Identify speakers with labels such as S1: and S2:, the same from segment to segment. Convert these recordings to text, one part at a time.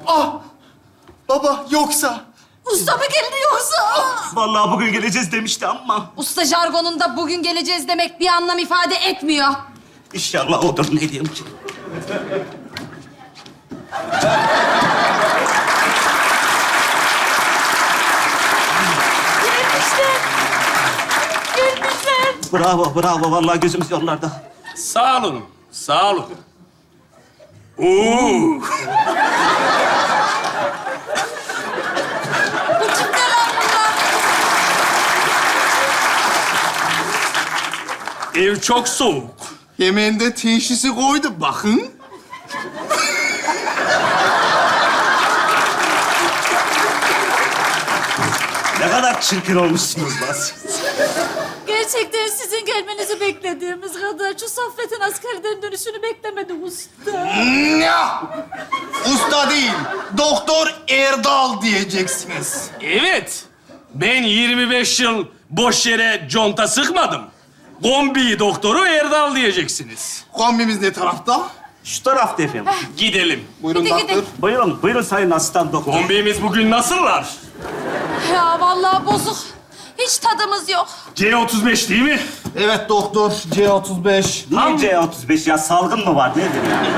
S1: Ah! Baba yoksa...
S2: Usta mı geldi yoksa?
S3: Vallahi bugün geleceğiz demişti ama
S2: Usta jargonunda bugün geleceğiz demek bir anlam ifade etmiyor.
S3: inşallah odur, ne diyeyim ki.
S2: Gelmişler. Gelmişler.
S3: Bravo, bravo. Vallahi gözümüz yollarda.
S4: Sağ olun, sağ olun.
S2: Bu kimler lan bunlar?
S4: Ev çok soğuk.
S1: Yemeğinde teşhisi koydu bakın.
S3: Ne kadar çirkin olmuşsunuz lan siz.
S2: Gerçekten sizin gelmenizi beklediğimiz kadar şu Saffet'in askerden dönüşünü beklemedim usta.
S1: Ya! Usta değil, Doktor Erdal diyeceksiniz.
S4: Evet, ben 25 yıl boş yere conta sıkmadım. Kombi doktoru Erdal diyeceksiniz.
S1: Kombimiz ne tarafta?
S3: Şu tarafta efendim.
S4: Gidelim.
S1: Buyurun
S2: Gidin,
S1: doktor.
S2: gidin.
S3: Buyurun, buyurun sayın asistan doktor.
S4: Kombimiz bugün nasıllar?
S2: Ya vallahi bozuk. Hiç tadımız yok.
S4: C35 değil mi?
S1: Evet doktor, C35.
S3: Niye C35 ya? Salgın mı var? Nedir yani?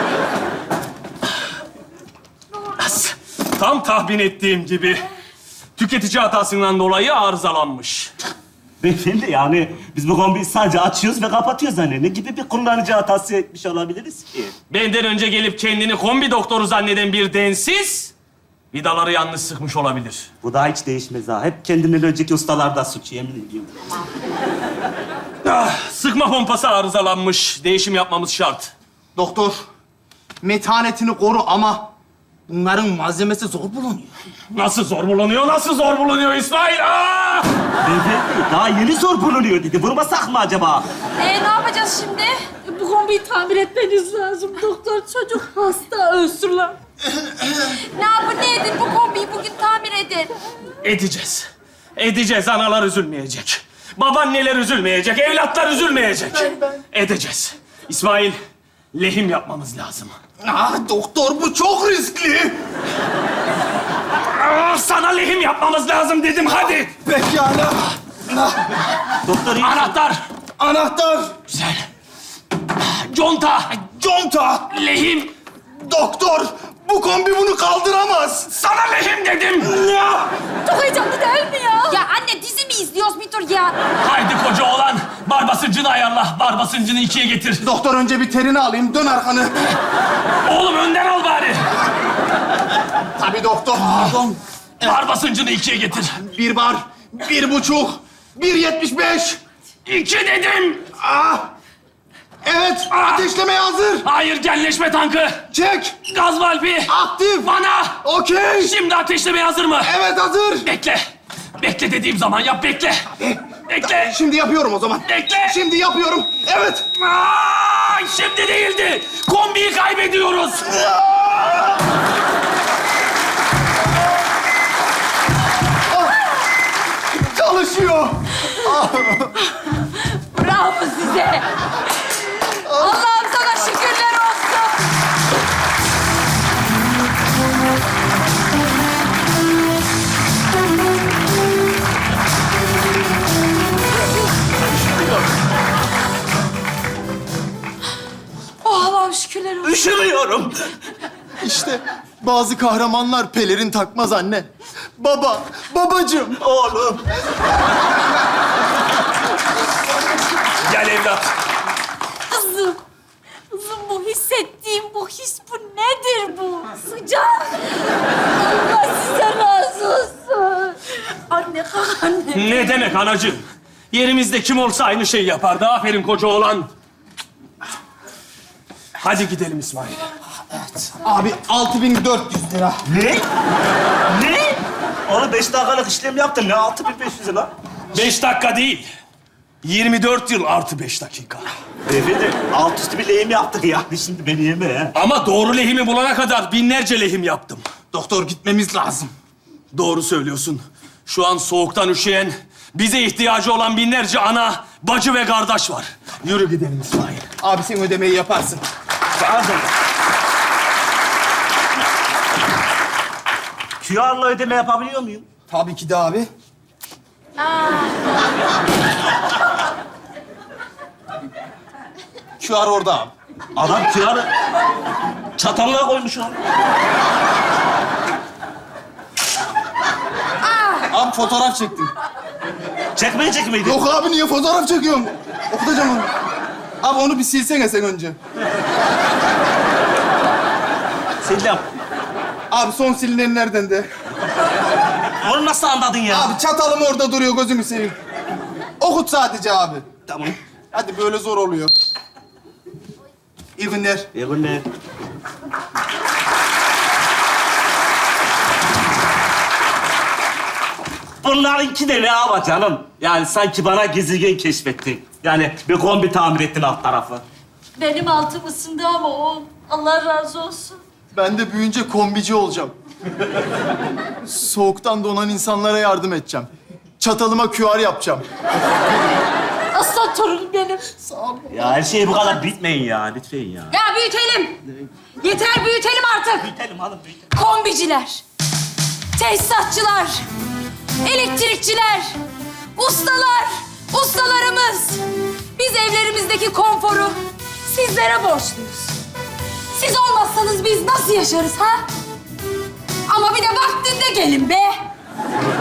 S4: Tam tahmin ettiğim gibi. Tüketici hatasından dolayı arızalanmış.
S3: Beyefendi yani biz bu kombiyi sadece açıyoruz ve kapatıyoruz hani. Ne gibi bir kullanıcı hatası etmiş olabiliriz ki?
S4: Benden önce gelip kendini kombi doktoru zanneden bir densiz... ...vidaları yanlış sıkmış olabilir.
S3: Bu da hiç değişmez ha. Hep kendinden önceki ustalarda suç, yemin ediyorum.
S4: Sıkma pompası arızalanmış. Değişim yapmamız şart.
S1: Doktor, metanetini koru ama bunların malzemesi zor bulunuyor.
S4: Nasıl zor bulunuyor, nasıl zor bulunuyor İsmail? Aa!
S3: Beyefendi daha yeni zor bulunuyor dedi. Vurmasak mı acaba?
S2: Ne yapacağız şimdi? Bu kombiyi tamir etmeniz lazım. Doktor çocuk hasta ölsün lan. Ne yapın ne edin bu kombiyi bugün tamir edin.
S4: Edeceğiz. Edeceğiz. Analar üzülmeyecek. Babaanneler üzülmeyecek. Evlatlar üzülmeyecek. Edeceğiz. İsmail, lehim yapmamız lazım.
S1: Ah doktor, bu çok riskli.
S4: Sana lehim yapmamız lazım dedim. Hadi.
S1: Pekala.
S3: Doktor iyi.
S4: Anahtar.
S1: Anahtar,
S4: Güzel. Conta.
S1: conta.
S4: Lehim.
S1: Doktor, bu kombi bunu kaldıramaz.
S4: Sana lehim dedim.
S2: Çok heyecanlı değil mi ya? Ya anne dizi mi izliyoruz bir dur ya?
S4: Haydi koca oğlan. Bar basıncını ayarla. Bar basıncını 2'ye getir.
S1: Doktor önce bir terini alayım, dön arkanı.
S4: Oğlum önden al bari.
S1: Tabii doktor, pardon.
S4: Bar basıncını 2'ye getir.
S1: 1 bar, 1,5, 1,75.
S4: 2 dedim.
S1: Ah! Evet, ateşlemeye hazır.
S4: Hayır, genleşme tankı.
S1: Çek,
S4: Gaz valfi.
S1: aktif.
S4: Bana.
S1: Okey.
S4: Şimdi ateşlemeye hazır mı?
S1: Evet, hazır.
S4: Bekle. Bekle dediğim zaman yap, bekle. Bekle.
S1: Şimdi yapıyorum o zaman.
S4: Bekle.
S1: Şimdi yapıyorum. Evet.
S4: Ay, şimdi değildi. Kombiyi kaybediyoruz.
S1: Çalışıyor.
S2: Bravo size. Allah'ım sana şükürler olsun. Oh Allah'ım şükürler olsun.
S3: Üşümüyorum.
S1: İşte bazı kahramanlar pelerin takmaz anne. Baba, babacığım.
S3: Oğlum.
S4: Gel evlat.
S2: Kızım. Kızım bu hissettiğim bu his bu nedir bu? Sıcak. Allah size razı olsun. Anne kalk anne.
S4: Ne demek anacığım? Yerimizde kim olsa aynı şeyi yapardı. Aferin koca oğlan. Hadi gidelim İsmail.
S1: Abi 6.400 lira.
S3: Ne? Ne? Oğlum 5 dakikalık işlem yaptın. Ne 6.500 lan?
S4: 5 dakika değil. 24 yıl artı 5 dakika.
S3: Beyefendi alt üstü bir lehim yaptık ya. Şimdi beni yeme ya.
S4: Ama doğru lehimi bulana kadar binlerce lehim yaptım.
S1: Doktor, gitmemiz lazım.
S4: Doğru söylüyorsun. Şu an soğuktan üşüyen, bize ihtiyacı olan binlerce ana, bacı ve kardeş var. Yürü gidelim İsmail.
S1: Abi sen ödemeyi yaparsın.
S3: Pardon. QR'la ödeme yapabiliyor muyum?
S1: Tabii ki de abi. QR orada abi.
S3: Adam QR'ı çatalına koymuş onu.
S1: Abi fotoğraf çektim.
S3: Çekmeyecek miydi?
S1: Yok abi niye fotoğraf çekiyorsun? Okutacağım onu. Abi onu bir silsene sen önce.
S3: Sildim.
S1: Abi son silinenlerden de.
S3: Onu nasıl anladın ya?
S1: Abi çatalım orada duruyor gözümü seveyim. Okut sadece abi.
S3: Tamam.
S1: Hadi böyle zor oluyor. İyi günler.
S3: İyi günler. Bunlarınki de ne ama canım? Yani sanki bana gezegen keşfettin. Yani bir kombi tamir ettin alt tarafı.
S2: Benim altım ısındı ama o. Allah razı olsun.
S5: Ben de büyüyünce kombici olacağım. Soğuktan donan insanlara yardım edeceğim. Çatalıma QR yapacağım.
S2: Aslan torunum benim.
S3: Ya her şey bu kadar bitmeyin ya. Lütfen ya.
S2: Ya büyütelim. Yeter büyütelim artık.
S3: Büyütelim hanım, büyütelim.
S2: Kombiciler, tesisatçılar, elektrikçiler, ustalar, ustalarımız. Biz evlerimizdeki konforu sizlere borçluyuz. Siz olmazsanız biz nasıl yaşarız ha? Ama bir de vaktinde gelin be.